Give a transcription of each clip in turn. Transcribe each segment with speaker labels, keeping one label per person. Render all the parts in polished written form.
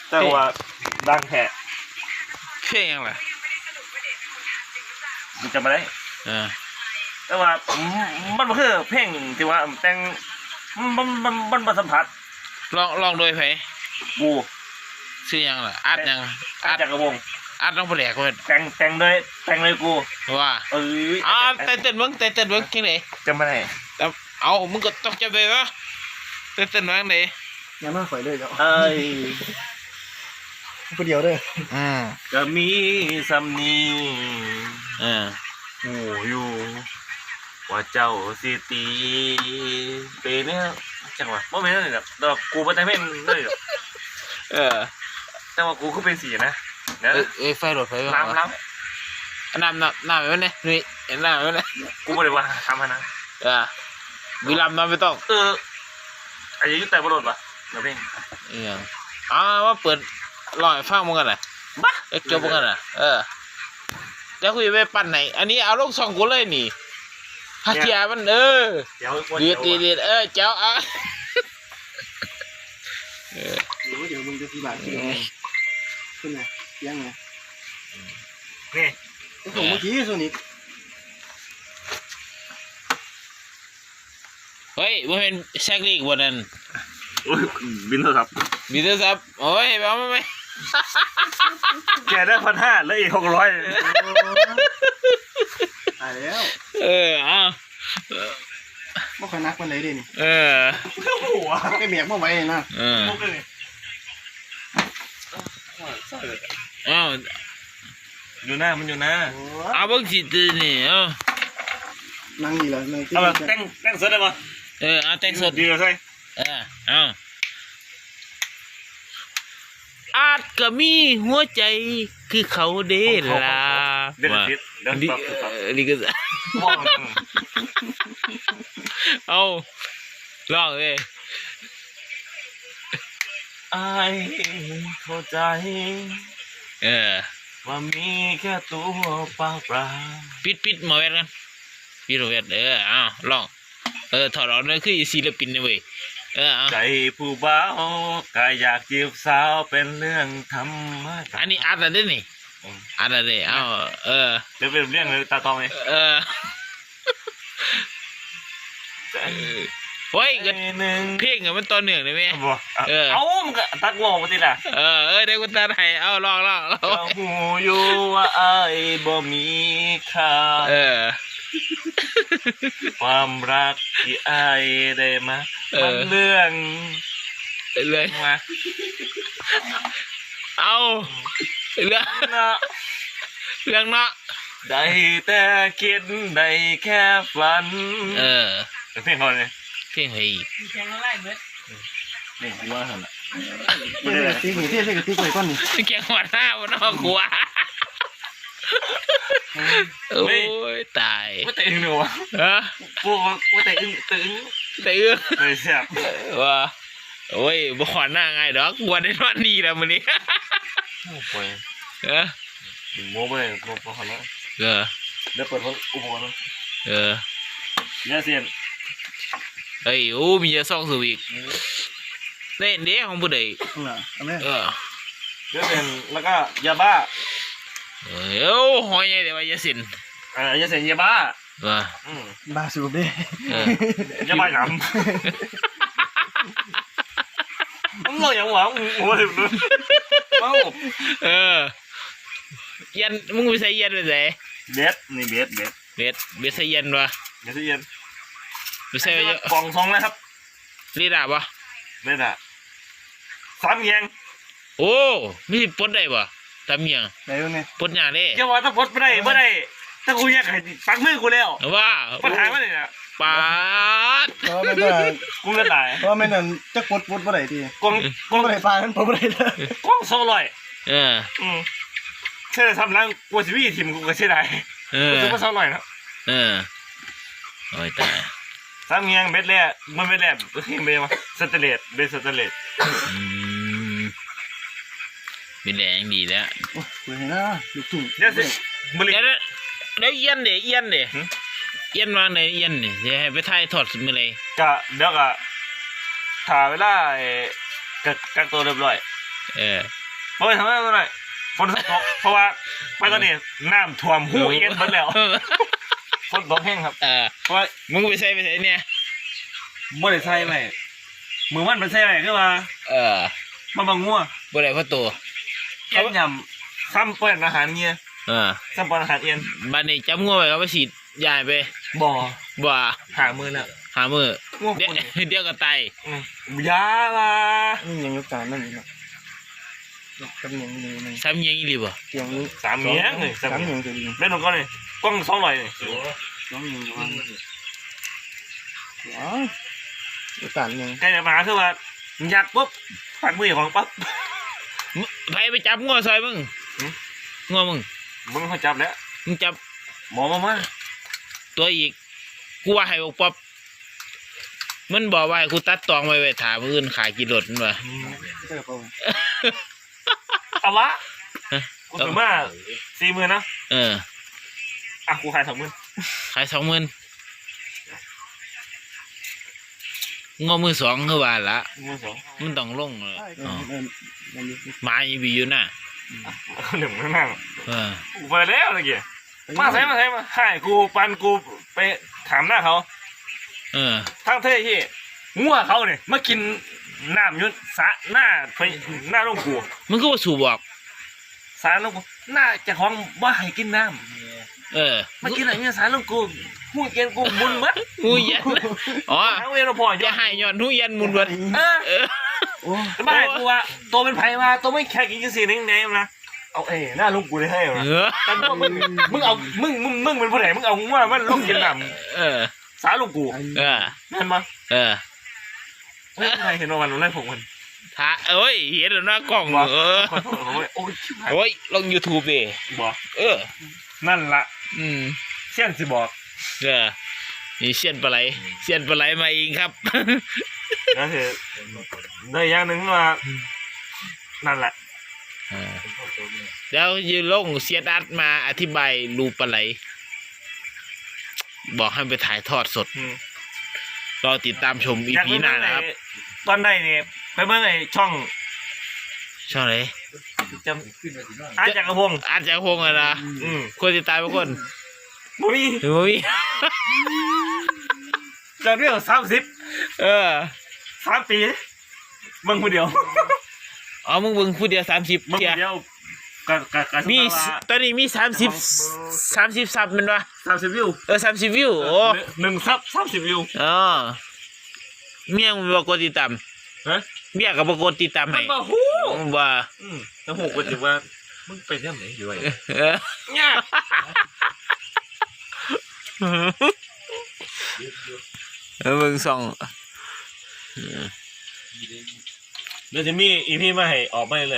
Speaker 1: แต่ว่าดังแท้
Speaker 2: เพลงยังไง
Speaker 1: มันจะมาได้แต่ว่ามันก็คือเพลงที่ว่าแต่งมันสัมผัส
Speaker 2: ลองโดยไผ
Speaker 1: กู
Speaker 2: ชื่อยังล่ะอัดยัง
Speaker 1: อัดจากกระวง
Speaker 2: อัดต้องแปลกเว้ย
Speaker 1: แต่งเลยกู
Speaker 2: ว่าเต้นเบิ้งที่ไหน
Speaker 1: จะมาไหน
Speaker 2: เอามึงก็ต้องจำได้ปะเต้นเบิ้งไหน
Speaker 3: ยังไม่ค่อยเลยเจ้าคนเดียวเลย
Speaker 1: ก็มีสำนีหูอยู่ว่าเจ้าสิตีเป็นเนี่ยจังหวะโมเมนต์เลยแบบดอกกูเป็นแต่เพลงเลยแต่ว่ากูก็เป็นสีนะ
Speaker 2: ไฟรถไฟ
Speaker 1: น้ำ
Speaker 2: แบบนี้นี่น้ำแบบนี้
Speaker 1: กูไม่ได้ว่าทำนะ
Speaker 2: วิลามน้ำไม่ต้อง
Speaker 1: อายุแต่บรอดปะเดี๋ยวเพลง
Speaker 2: ว่าเปิดลอยฟังมึงกันนะเกี่ยวมึงกันนะจะคุยไปปั่นไหนอันนี้เอาลง2 กูเลยนี่ฮัทยามันเดีเจ้า
Speaker 3: เดี๋ยวมึงจะที่บ้านที่ไหนขึ้นไงยังไง
Speaker 1: นี่
Speaker 3: ส่งเมื่อกี้ส่วนนี้
Speaker 2: เฮ้ยมันเป็นแซกลีกวันนั้น
Speaker 1: บินเถอะครับ
Speaker 2: โอ้ยเอาไหม
Speaker 1: แกได้1,500แล้วอีก600
Speaker 3: ตายแล้วไม่ค่อยนักวันไหนดินี่หัวไอ้เมียเมื่อไหร่นะ
Speaker 1: อยู่หน้ามันอยู่หน้า
Speaker 2: เอาบังสิตีนี่
Speaker 3: นั่งดีเลย
Speaker 1: เอาแต่งสดได้ปะ
Speaker 2: เอาแต่งสด
Speaker 1: ดีเลยใช่
Speaker 2: อาจก็มีหัวใจคือเขาเด้ล่ะนี่ก็เอาลองเลย
Speaker 1: ไอ้เข้าใจว่ามีแค่ตัวเปล่า
Speaker 2: ปิดหมอเวทกันปิดหมอเวทลองถอดออกนั่นคือศิลปินนะเว้ย
Speaker 1: ใจผู้บ่าวก็อยากจีบสาวเป็นเรื่องธรรมดา
Speaker 2: อันนี้อัดอะไรนี่อัดอะไร
Speaker 1: เดี๋ยวเป็นเรื่องเลยตาตองเลย
Speaker 2: เฮ้ยกันเพลงมันตอนเหนือเลยไหม
Speaker 1: เอามันก็ตัดวงมาสิล่ะ
Speaker 2: ได้กูตัดให้ลอง
Speaker 1: หูอยู่ว่าไอ้บ่มีค่าความรักที่ไอ้ได้มามันเรื่อง
Speaker 2: มาเอาเรื่องเนาะ
Speaker 1: ได้แต่คิดได้แค่ฝันเพลงเขาเลย
Speaker 2: เพลงเฮ้ย
Speaker 1: เพลงอะไรเบิดนี่กูว่าหัน
Speaker 3: ละติ๊กนี่ติ๊กไปก้อนนี่
Speaker 2: แกงหัวหน้าวันนอกกูว่าโอ้ยตาย
Speaker 1: ว่าแต่อึ้งหนูวะกูว่าแต่อึ้งเลยเสียบ
Speaker 2: ว่าโอ้ยบ่ขวัญหน้าไงดอกวันนี้วันดีแล้วมื้อนี้
Speaker 1: โอ้ยโม้ไปเลยโม้ขนาดเดี๋ยวเปิดอุปกรณ์เนี่ยเสียน
Speaker 2: เฮ้ยโอ้มีจะซ่องสูบอีกเล่นเด้ของผู้ใด
Speaker 1: เดี๋ยวเป็นแล้วก็ยาบ้า
Speaker 2: หอยไงเดี๋ยวยาสิน
Speaker 1: ยาสินยาบ้า
Speaker 3: บ้าสูบดิ
Speaker 1: ยาบ้าหนำมึงเล่าอย่างหวังโอ้ย
Speaker 2: ยันมึงไปใส่ยันไปใส่
Speaker 1: เบ็ดนี่เบ็ด
Speaker 2: ใส่ยันวะ
Speaker 1: ใส่ยัน
Speaker 2: ไปใส่
Speaker 1: กล่อง2นะครับ
Speaker 2: รีดาปะ
Speaker 1: รีดา3 เงียง
Speaker 2: โอ้มีปดได้ปะทำยัง
Speaker 3: ได้ยังไง
Speaker 2: ปดอย่างนี้
Speaker 1: จะว่าถ้าปดไม่ได้ถ้ากูอยากให้ปักมือกูแล้ว
Speaker 2: ว่า
Speaker 1: ปัญหามันเลยนะ
Speaker 2: ปาด
Speaker 3: เพราะไม่ได้
Speaker 1: กูจะตาย
Speaker 3: เพราะไม่นั่นจะปดไม่ได้ที
Speaker 1: กอง
Speaker 3: ไม่ได้ปลานั้นปดไม่ได้เลย
Speaker 1: กอง200เชื่อทำแล้วกูจะวิ่งทีมกูก็เชื่อได้กูจะมา200นะ
Speaker 2: โอ้ยตาย
Speaker 1: 3 เงียงเบ็ดแรกมันเบ็ดแรกเฮ้ยเบ็ดมาสเตเลตเบ็ดสเตเลต
Speaker 2: เป็นแรงดีแล้ว
Speaker 3: เฮ้ยนะลูกทุ่ง
Speaker 1: เดี๋ยว
Speaker 2: เอียนวางในเอียนเนี่ยจะให้ไปถ่ายถอดสุดมือเลย
Speaker 1: เดี๋ยวก็ถ่ายเวลากักตัวเรียบร้อยเพราะไปทำอะไรฝนตกเพราะว่าไปตอนนี้น้ำท่วมหูเอียนหมดแล้วฝนตกแห้งครับเพราะว่า
Speaker 2: มึงไปใส่เนี่ย
Speaker 1: บ่ได้ใส่ไว้มือมันเป็นใส่ไว้คือว่ามันบางงัว
Speaker 2: บ่ได้เพราะตัว
Speaker 1: เอียนยำซ้ำเปิ้นอาหารเงี้ยซ้ำเปิ้นอาหารเอียน
Speaker 2: บัดนี้จับงัวไปเขาไปฉีดยาไป
Speaker 1: บ่
Speaker 2: บ่
Speaker 1: หามือแล้ว
Speaker 2: หามือ
Speaker 1: งัว
Speaker 2: เดี๋ยว
Speaker 1: คน
Speaker 2: เดี๋ยวก็ตาย
Speaker 1: ยาละ
Speaker 3: นี่ยังยุคการนั่นอยู่นะกำยังนี่มัน
Speaker 2: ซ้ำยังอีหลีบ่
Speaker 3: เตียงนี้
Speaker 1: สามเมียงเลย
Speaker 3: สามยังจะดี
Speaker 1: เล่นลงก่อนเลยกล้อง200เลย
Speaker 3: น้องยังจะวางอ๋อยุคการยัง
Speaker 1: ใกล้จะมาคือว่าอยากปุ๊บปัดมือของปั๊บ
Speaker 2: ไผไปจับงัวซอยมึงงัวมึง
Speaker 1: มึงเขาจับแล้ว
Speaker 2: มึงจับ
Speaker 1: หมอมา
Speaker 2: ตัวอีกกูว่าให้บอกป๊อบมันบอกว่าให้กูตัดตองไว้ถามมื้ออื่นขายกิโลมันว่า
Speaker 3: เออเปล่า
Speaker 1: เอาละกูถือมา40,000นะกูขาย20,000
Speaker 2: ขาย20,000งอมือสองคือว่าละ
Speaker 1: มือสอง
Speaker 2: มันต้องลงเลย
Speaker 3: มันมี
Speaker 2: หมาอีบีอยู่น่ะ
Speaker 1: หนึ่งนั่ง
Speaker 2: เออ
Speaker 1: กูไปแล้วตะกี้มาใส่มาให้กูปันกูไปถามหน้าเขา ทั้งเท่ที่งัวเขาเนี่ยมากินน้ำยุนสะหน้าไปหน้าลงกู
Speaker 2: มันก็ว่าสู่บอก
Speaker 1: สารลงกูหน้าจะของว่าให้กินน้
Speaker 2: มา
Speaker 1: ำกินอะไรเนี่ยสารลงกูหูเกียนกูมุนมัด
Speaker 2: หูยันอ๋อ
Speaker 1: ทั้งเวรพอ
Speaker 2: จะให้ย้อนหูยันมุนวัด
Speaker 3: โอ้
Speaker 1: ไม่ให้กูว่าตัวเป็นไผ่มาตัวไม่แค่กินสีนึงแนมนะเอาหน้าลงกูได้ให้เหรอแต่มึงเอามึงเป็นผู้ใดมึงเอางัวมันลงกินน้ำสารลงกูเห็นปะใครเห็นว่ามันไล่ผมมัน
Speaker 2: ถ้าเอ้ยเห็นแล้วหน้ากล้องโอ้ยลง YouTube ดิ
Speaker 1: บอก นั่นละเสี้ยนสิบอก
Speaker 2: นี่เสียนปลาไหลมาเองครับ
Speaker 1: ก็คือได้อย่างหนึ่งว่านั่นแหละ
Speaker 2: แล้วยืนลงเสียดัดมาอธิบายรูปปลาไหลบอกให้ไปถ่ายทอดสดรอติดตามชมอีพีหน้านะครับ
Speaker 1: ตอนใดเนี่ยไปเมื่อไงช่อง
Speaker 2: ไหน
Speaker 1: จำอาจักรพงศ์
Speaker 2: อาจจะคงอะนะคนติดตามทุกคน
Speaker 1: บ่มี
Speaker 2: หรือว่ามี
Speaker 1: จากเรื่อง30 3 ปีมึงคนเดียว
Speaker 2: อ๋อมึงเบิ่งผู้เดียว30
Speaker 1: มึง
Speaker 2: เที
Speaker 1: ค
Speaker 2: ย
Speaker 1: นเดียวกับ
Speaker 2: มีตอนนี้มี30ซับมันวะ
Speaker 1: 30 วิว
Speaker 2: 30 วิวโอ้
Speaker 1: 1 ซับ 30 วิว
Speaker 2: อ๋อเมียมึงบอกกดติดตาม
Speaker 1: ฮะ
Speaker 2: เมียก็บอกกดติดตามให้
Speaker 1: มันมาฮู้
Speaker 2: ว่า
Speaker 1: แล้วหูก็จะว่ามึงไปที่ไหนอยู่ไอ้ เนี่ย
Speaker 2: มึงส่อง
Speaker 1: เดี๋ยวจะมีอีพีมาให้ออกมาเลย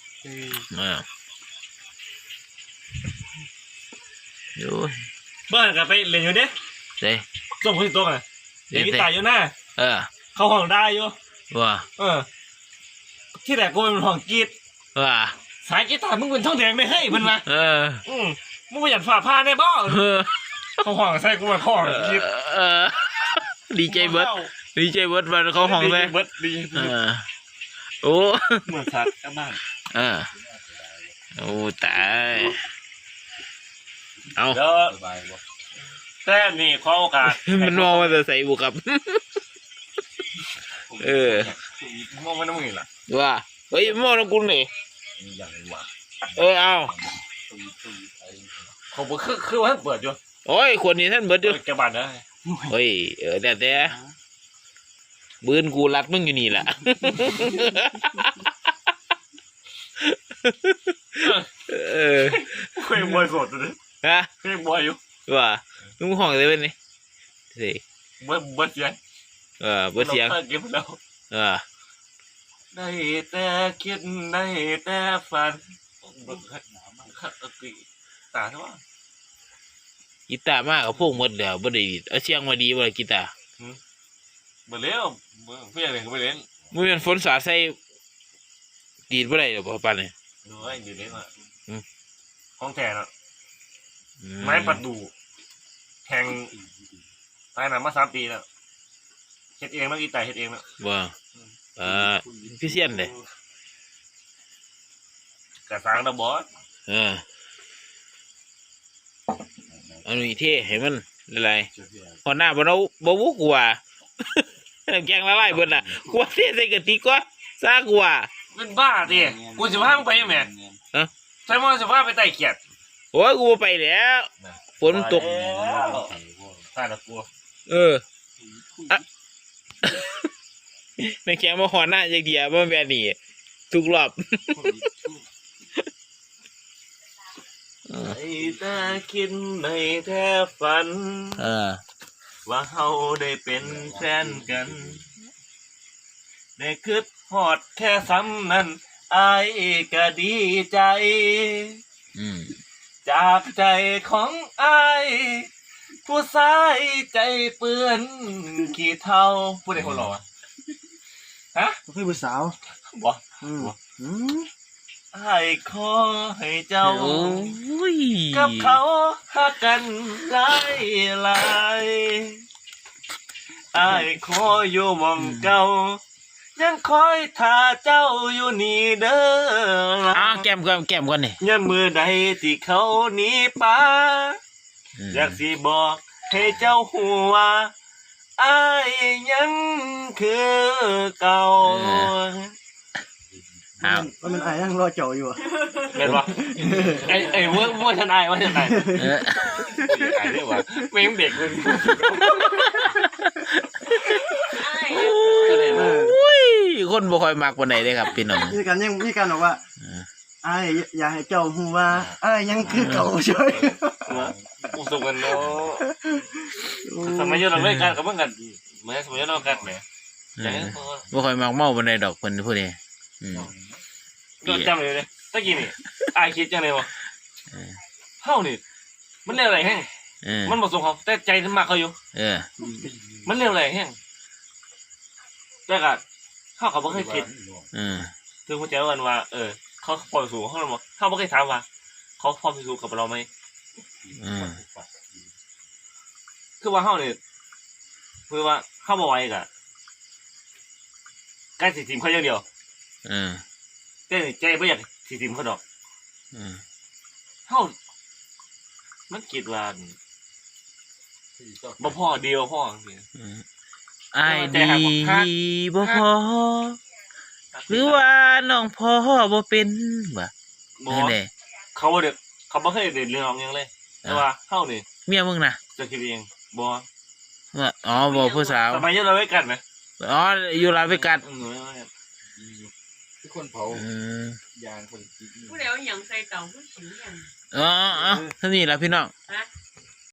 Speaker 2: อยู่
Speaker 1: บ้านกับไปเล่นอยู่เด้
Speaker 2: เด้
Speaker 1: ส่งคนที่โต๊ะอ่ะเด็กที่ตายอยู่หน้า เข้าห้องได้อยู่
Speaker 2: ว่า
Speaker 1: ที่แรกกูเป็นห้องกรีด
Speaker 2: ว่า
Speaker 1: สายกีตาร์มึงเป็นช่องแดงไม่ให้มันมา
Speaker 2: อืม
Speaker 1: มึงประหยัดฝ่าผ้าได้บ่เข้าห้องใส่กูมาเข้าห้องกรีด
Speaker 2: ดีใจเบิร์ดวันเขาห้องเลย
Speaker 1: เบิร์ดดี
Speaker 2: โอ้
Speaker 1: เหมือนสัตว์กลับบ้าน
Speaker 2: โอ้ตายเอา
Speaker 1: แล้วแต่นี่ขอโอกาส
Speaker 2: มันมองว่าจะใส่บุกครับ
Speaker 1: มองมันน้ำมือล่ะ
Speaker 2: ว่าเฮ้ยมองน้ำกุลนี่เอา
Speaker 1: เขาบอกคือว่าเปิดอยู่
Speaker 2: โอ้ยคนนี้ท่านเบิร์ดอยู่
Speaker 1: แกบ้านนะ
Speaker 2: เฮ้ยแต่บืนกูรัดมึงอยู่นี่แหละ
Speaker 1: เคยบอยสดเลย
Speaker 2: ฮะ
Speaker 1: เคยบอยอยู่
Speaker 2: ว่ามึงห้องได้เป็นนี่สิ
Speaker 1: บอยเสียง
Speaker 2: เบิร์ดเสียง
Speaker 1: เก็บแล้วได้แต่คิดได้แต่ฝันตาเท่าไหร่
Speaker 2: กีตาร์มากกับพวกหมดแล้วบ่ได้ดีเอาเสียงมาดีบ่ล่ะกีตาร์
Speaker 1: มาเลี้ยวเพื่อนเนี่ยเขาไปเล่น
Speaker 2: มึงเป็นฝนสาดใส่ดีดบ่ได้หรอปานนี่
Speaker 1: ดูไอ้อยู่เล่นอ่ะห้องแทนอ่ะไม้
Speaker 2: ไม้
Speaker 1: ประดูแทงตายนานมา3 ปีแล้วเฮ็ดเองเมื่อกี้ตายเฮ็ดเองแล้ว
Speaker 2: ว่าพี่เซียนเลย
Speaker 1: ระสังระบอส
Speaker 2: อันนี้เท่เห็นมันอะไรพอหน้าบ่เอาบ่วุกว่าน้ำแกงละลายเบิดน่ะกว่าเท่ใส่กะทิก็ซากว่า
Speaker 1: เป็นบ้าดิกูสิพามึงไปยังไงใช่มั้ยสิพาไปไต่เขียด
Speaker 2: โอ้ยกูบ่ไปแล้วฝนตก
Speaker 1: ตายละกู
Speaker 2: น้ำแกงมาหอหน้าจักเดียวบ่แม่นนี่ทุกรอบ
Speaker 1: ไอ้ตาคิดในแทบฝันว่าเฮาได้เป็นแฟนกันได้คิดฮอดแค่ซ้ำนั้นอายก็ดีใจจากใจของอายผู้ชายใจเปื้อนขี้เท่าผู้ใดคนหล่อวะฮะ
Speaker 3: เพื่อนผู้สาว
Speaker 1: บ่อายขอให้เจ้ากับเขาหักกันหลายหลายอายขออยู่หม่องเก่ายังคอยท่าเจ้าอยู่นี่เด้อ
Speaker 2: แก้มก่อนนี่
Speaker 1: ยันมือใดที่เขาหนีป่าอยากสิบอกให้เจ้าหัวอายยังคือเก่า
Speaker 3: ว่ามันอายนั่งรอเจ้าอยู่อ่ะ
Speaker 1: เห็นปะไอ้เมื่อฉันอายว่าฉันอายอายเรียกว่าไม่ยังเด็กเลย
Speaker 2: คนบ่ค่อยมักปานใดเด้ครับพี่น้อง
Speaker 3: มีการบอกว่าอายอยากให้เจ้าฮู้ว่าอายยังคือเก่าใช่
Speaker 1: อุศกันเนาะสมัยเราเล่นกันกับเพื่อนกันเหมือนสมัยเรากันเนี่ย
Speaker 2: บ่ค่อยมักเมาปานใดดอกเพิ่นผู้นี้
Speaker 1: ก็จำเลยตะกี้นี่อายคิดจังเลยวะเฮานี่มันเรื่องอะไรแห้งมันบอกส่งเขาแต่ใจมันมากเขาอยู่มันเรื่องอะไรแห้งแต่ก็เขาไม่เคยคิดคือหัวใจวันว่าเขาพอสูงเขาเลยบอกเขาไม่เคยถามว่าเขาพอสูงกับเราไหมคือว่าเขาเนี่ยคือว่าเขาบอกไว้กับใกล้สิทีมเขาอย่างเดียวใจไม่อยากสิทีมเขาดอกเขามันคิดว่าบ่พ่อเดียวพ่อ
Speaker 2: ไอ้ดีบ่พอหรือว่าน้องพ่อบ่เป็นบ่
Speaker 1: เขาเด็กเขาไม่เคยเด่นเรื่องยังเลยแต่ว่าเข้านี่
Speaker 2: เมียมึงนะ
Speaker 1: จะคิดเองบ่
Speaker 2: บ่ผู้สาว
Speaker 1: ทำไมยังเราไม่กันไหม
Speaker 2: อยู่ลาเวกัส
Speaker 3: ทุกคนเผายางคน
Speaker 4: ผู้เดียวอย่างใส่เต่าผู้ชิวอย่าง
Speaker 2: ท่านี่แหละพี่น้อง